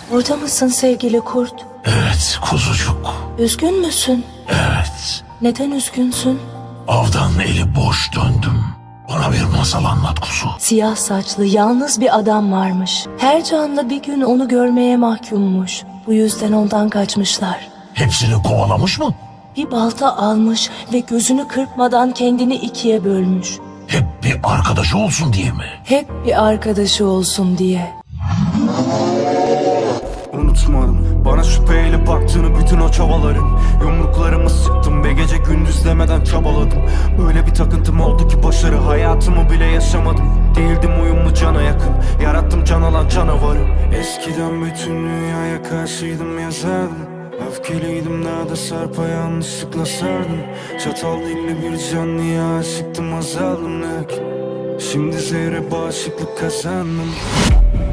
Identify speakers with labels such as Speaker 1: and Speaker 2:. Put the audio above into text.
Speaker 1: Orada mısın sevgili kurt?
Speaker 2: Evet kuzucuk.
Speaker 1: Üzgün müsün?
Speaker 2: Evet.
Speaker 1: Neden üzgünsün?
Speaker 2: Avdan eli boş döndüm. Bana bir masal anlat kuzu.
Speaker 1: Siyah saçlı yalnız bir adam varmış. Her canlı bir gün onu görmeye mahkummuş. Bu yüzden ondan kaçmışlar.
Speaker 2: Hepsini kovalamış mı?
Speaker 1: Bir balta almış ve gözünü kırpmadan kendini ikiye bölmüş.
Speaker 2: Hep bir arkadaşı olsun diye mi?
Speaker 1: Hep bir arkadaşı olsun diye.
Speaker 3: Unutmadım bana şüpheyle baktığını bütün o çabaların. Yumruklarımı sıktım ve gece gündüz demeden çabaladım. Öyle bir takıntım oldu ki başarı hayatımı bile yaşamadım. Değildim uyumlu cana yakın, yarattım can alan canavarı. Eskiden bütün dünyaya karşıydım yazardım. Öfkeliydim daha da sarpa yanlışlıkla sardım. Çatal dilli bir canlıya aşıktım azaldım. Şimdi zehre bağışıklık kazandım.